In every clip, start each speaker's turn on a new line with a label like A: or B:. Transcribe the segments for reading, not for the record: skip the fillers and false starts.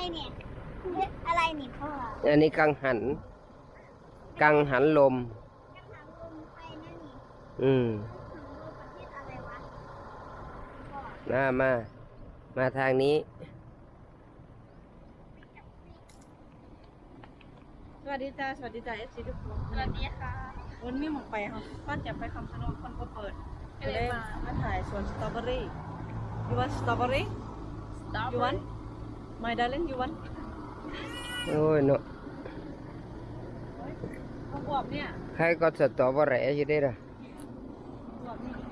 A: เนี่ยเฮ็ดอะไรนี่พ่อ
B: อันนี้กังหันลม
A: ยังหางลมไปนะนี่
B: อืม
A: หางลมประเทศอะไรวะพ่อ
B: มาทางนี้
C: สวัสดีจ้าเอฟซีทุกคน
A: สวัสดีค่ะ
C: วันนี้หมองไปค่ะก่อนจะไปคำชะโนดคนก็เปิดเลยมาถ่ายสวนสตรอเบอรี่ you want strawberry you want my darling you want
B: โอ้ยเนาะ
C: ข้าวบวบเนี่ย
B: ใครก็สตอเบอร์แหร่อยู่ได้ล่ะ
C: บวบนี่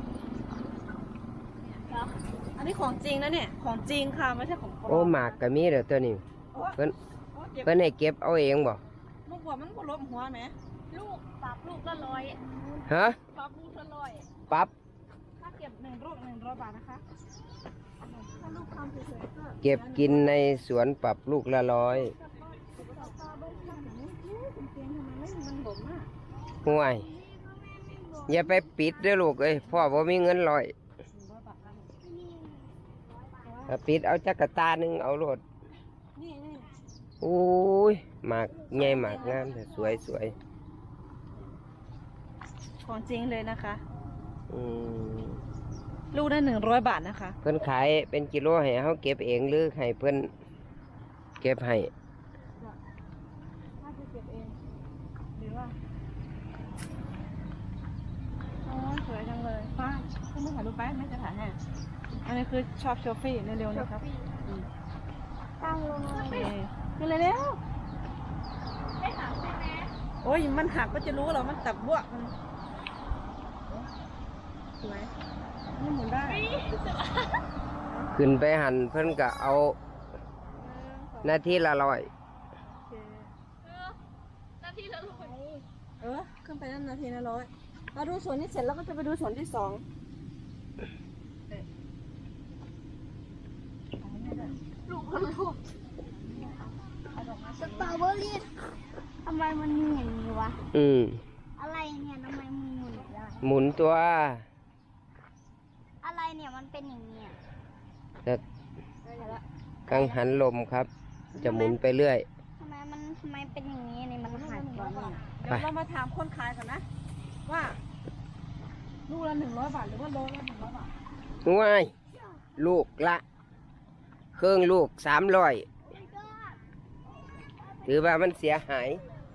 C: อันนี้ของจริงนะเนี่ยของจริงค่ะไม่ใช่ของปลอม
B: โอ้หมากก็มีเด้อตัวนี้เพิ่น
C: เก็บ
B: เพิ่นให้เก็บเอาเองบ่
C: ลูกบวบมันก็ล้มหัวไหม
A: ลูกปรับลูกละร้อย
B: ฮะ
C: ปรับลูกละร้อย
B: ปรับ
C: ถ้าเก็บ1 ลูก100 บาทนะคะถ้าลูกทำสวยๆก็
B: เก็บกินในสวนปรับลูกละ100ห่วยอย่าไปปิดเด้อลูกเอ้ยพ่อบ่มีเงิน100ถ้าปิดเอาจักรตาหนึงเอาโลด
C: นี่
B: โอ้ยหมากใหญ่หมากงามแต่สวย
C: ของจริงเลยนะคะ
B: อืม
C: ลูกได้100 บาทนะคะ
B: เพิ่นขายเป็นกิโลให้เฮาเก็บเองหรือให้เพิ่นเก็บให้
C: ถ้าจะเก็บเองหรือว่าโอ้ยสวยจังเลยป้าขึ้นมาถ่ายรูปไปไม่จะถ่ายให้อันนี้คือชอบโชฟี่เร็วๆนะครับ
A: ตั้งลงเลย
C: โอเคขึ้นเลยเร็ว
A: ได้ถามใช่ไหม
C: โอ้ยมันหักก็จะรู้เหรอมันตับบวกมันสวยนี่หมุนได้
B: ขึ้นไปหันเพิ่นก็เอานาทีละ100
C: โอเค
A: นาทีละร้อย
C: ขึ้นไปนั่นนาทีละ100เราดูสวนนี้เสร็จแล้วก็จะไปดูสวนที่2
A: ลูกละลูกสตรอเบอรี่ทำไมมันมีอย่างนี้วะ
B: อืม
A: อะไรเนี่ยทำไมมันหมุนได้
B: หมุนตัว
A: อะไรเนี่ยมันเป็นอย่างนี้อะ
B: จะกังหันลมครับ จะหมุนไปเรื่อย
A: ทำไมเป็นอย่างนี้นี่มันหักก่อนนี่
C: เดี๋ยวเรามาถามคนขายกันนะ ว่าลูกละ100 บาทหรือว่าโลละ100 บาท
B: ง่ายลูกละเครื่องลูก300ถือว่ามันเสียหาย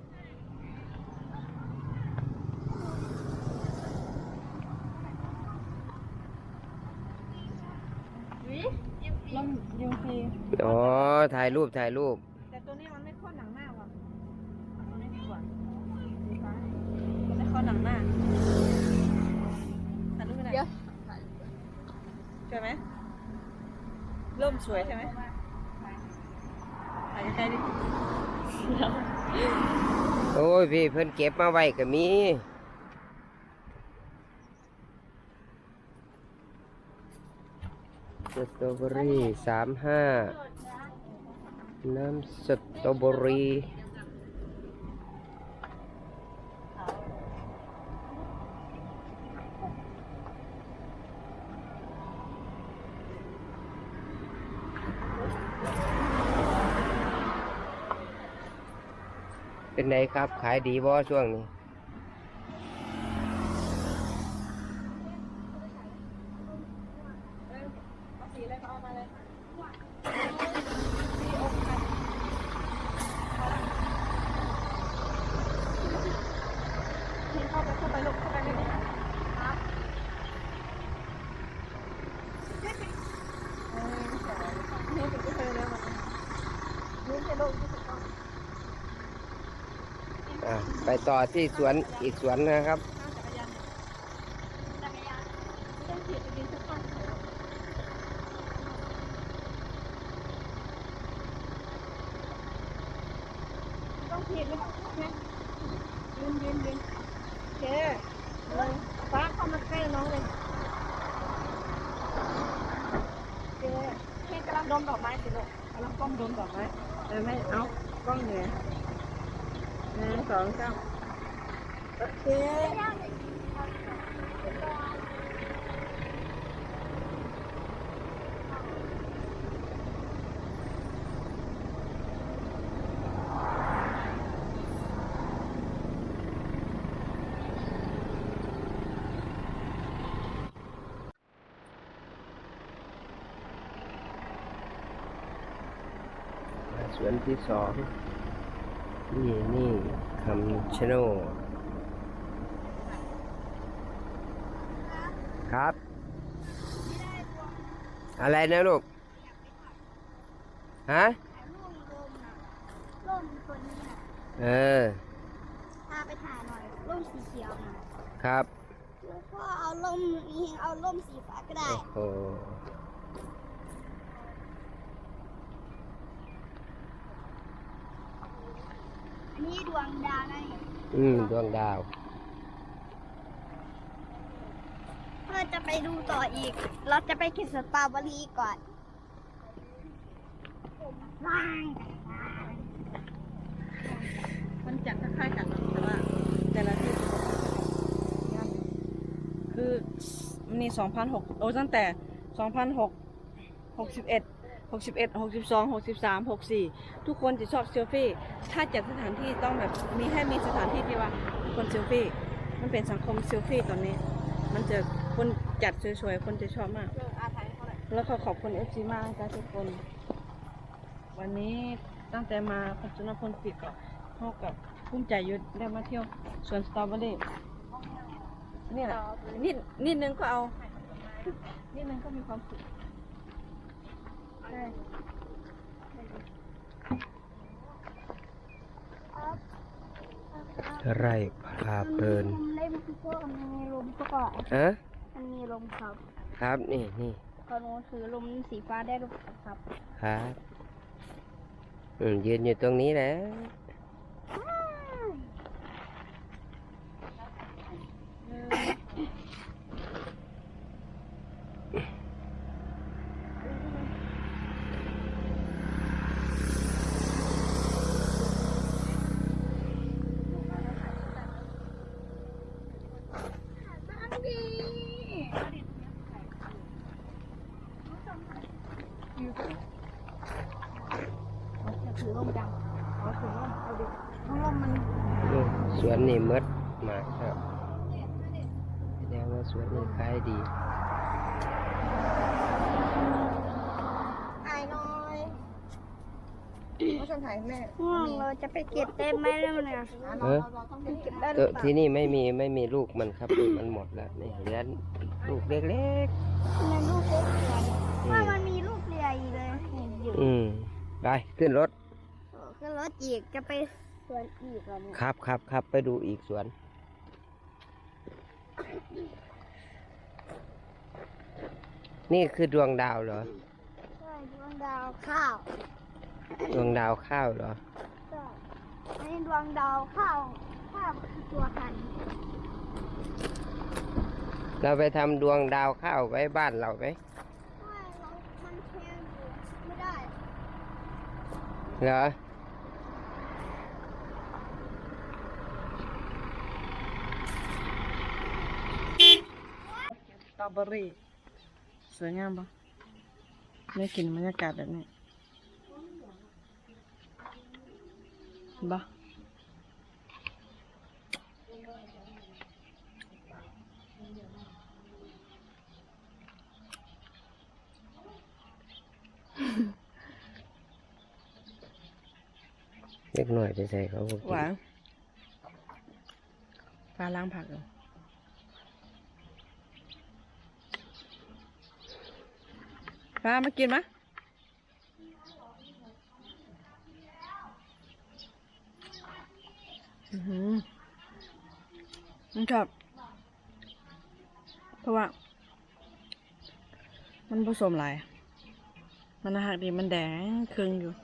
C: ลมยิงฟรี
B: อ๋อ ถ่ายรูป
C: แต่ตัวนี้มันไม่ข้อหนังหน้าว่ะตัวนี้ดีกว่าดีฟ้ามันไม่ข้อหนังหน้าถ่ายรูปไปไหนสวยไหมร่มสวยใช่ไหมถ่ายใกล้ๆดิ
B: โอ้ยพี่เพิ่นเก็บมาไว้ก็มีสตรอเบอรี่35น้ำสตรอเบอรี่เป็นไงครับ ขายดีบ่ช่วงนี้
C: เอาสีอะไรก็เอามาเลยเข้าไปลูกเข้าไปในนี้ครับนี่เป็นที่เธอแล้วนี่เป็นลูกที่ถูกต้อง
B: ไปต่อที่สวนอีกสวนนะครับ
C: จักรยานต้องขี่ไปดินสักพักต้องขี่ไม่ต้องพูดนะยืนโอเคฟ้าเข้ามาใกล้น้องเลยโอเคเพ่กำลังดมดอกไม้สิลูกกำลังก้มดมดอกไม้ไม่เอากล้องเหนื่อย1 2 3โอเค
B: สวนที่สองนี่คำชะโนดครับ อะไรนะลูก ฮะ
A: ถ่ายรูปลมน่ะร่มตัวนี้น่ะ
B: เออ
A: พาไปถ่ายหน่อยร่มสีเขียวน่ะ
B: ครับ
A: แล้วก็เอาร่มนี้เอาร่มสีฟ้าก็ได้
B: โอ้โห
A: อันนี้ดวงดาวนะนี่
B: ดวงดาว
A: เพื่อจะไปดูต่ออีก เราจะไปกินสตรอเบอรี่ก่อนว้าง
C: มันจัดคล้ายๆกันนะแต่ว่าแต่ละที่คือมันมี2,600โอ้ตั้งแต่2,661 61 62 63 64ทุกคนจะชอบเซลฟี่ถ้าจัดสถานที่ต้องแบบมีสถานที่ที่ว่าคนเซลฟี่มันเป็นสังคมเซลฟี่ตอนนี้ มันจะคนจัดสวยๆคนจะชอบมากแล้วก็ขอบคุณ FC มากนะทุกคนวันนี้ตั้งแต่มาปัจจุบันพลปิดก็เท่ากับภูมิใจอยุดได้มาเที่ยวสวนสตรอเบอรี่นี่แหละนิดนึงก็เอานิดนึงก็มีความสุขใช่
B: ไร่พาเพลิน
A: มันเล่มพวกมันมีลมก็
B: ฮะ
A: มันมีลมครับ
B: ครับนี่
A: ตอนนู้นถือลมสีฟ้าได้ลมครับ
B: ครับยืนอยู่ตรงนี้แหละ
A: บ้างดีจะถือลมจังเอาถือลมเอาดิลมมัน
B: สวนนี่มดมากครับแสดงว่าสวนนี่ขายดี
A: ถ่ายหน่อย
C: ก็ฉันถ่ายแม่
A: ง่วงเราจะไปเก็บได้ไหมแล้วเนี่ย
B: เออ
A: เก็บได้ห
B: เอ
A: รือ
B: อ
A: เปล่า
B: ที่นี่ไม่มีลูกมันครับลูกมันหมดแล้วนี่เหลือลูกเล็ก
A: มันลูกเล็กเรือว่ามันมีลูกเรืออีกเลยเห็นอยู่
B: ไปขึ้นรถ
A: ก็รถอีกจะไปสวนอีกแล้วเนี่ย
B: ครับไปดูอีกสวน นี่คือดวงดาวเหรอ
A: ใช่ดวงดาวข้าว
B: ดวงดาวข้าวเหรอ
A: ใช่อันนี้ดวงดาวข้าวคือตัวพันธุ์
B: เราไปทำดวงดาวข้าวไว้บ้านเราไหม
A: ไม่เรามันแพงอยู่ไม่ได้
B: เหรอ
C: สตรอเบอรี่สวยงามปะได้กลิ่นบรรยากาศแบบนี้เห็นปะ
B: เล็กหน่อยไปใส่เขาก็
C: ห
B: กิน
C: วานปลาล้างผักเหรอปลามากินมะมันชอบเพราะว่า มันผสมหลาย มันหักดีมันแดงครึ่งอยู่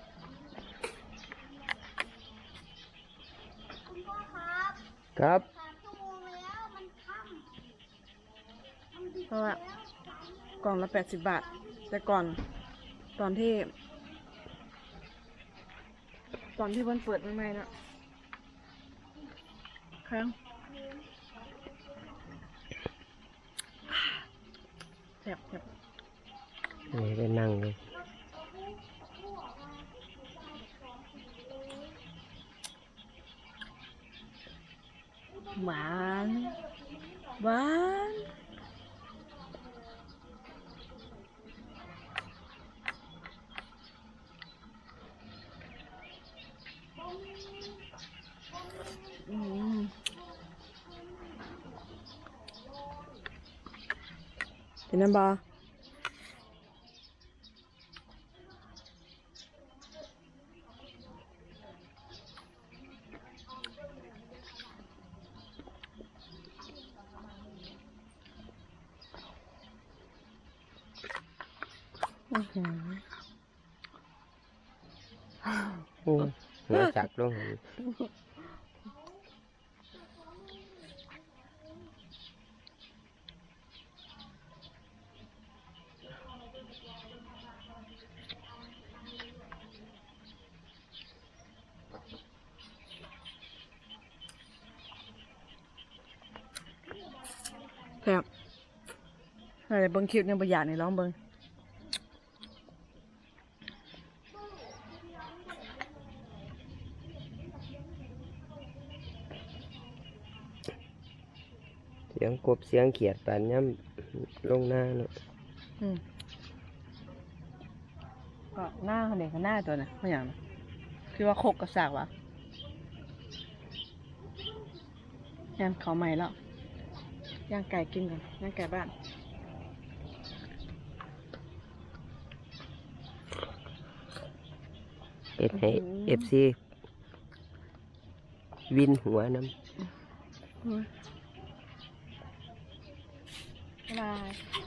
A: คุณพ่อครับ
B: ครับ
A: 3 ชั่วโมงแล้วมันค่ำมันดึก
C: เพราะว่า
A: แล้ว
C: กล่องละ80 บาท แต่ก่อนตอนที่มันเปิดใหม่ๆนะครั้งแซ่บ
B: นี่ไปนั่งเลย
C: หวานหวานเป็นน้ำบอ
B: โอ้หัวจักลงหัน
C: ครับอะไรเบิ้งคลิปเนี่ยประหยัดในร้องเบิ้ง
B: เสียงกบเสียงเขียดปานย่ำลงหน้าเนาะ
C: ก็หน้าเขาเด็กกับหน้าตัวน่ะไม่อย่างนะคือว่าโคกกระสากวะย่างเขาใหม่แล้วย่างไก่กินก่อนย่างไก่บ้าน
B: เอ็ดให้FC วินหัวน้ำ
C: บ๊ายบาย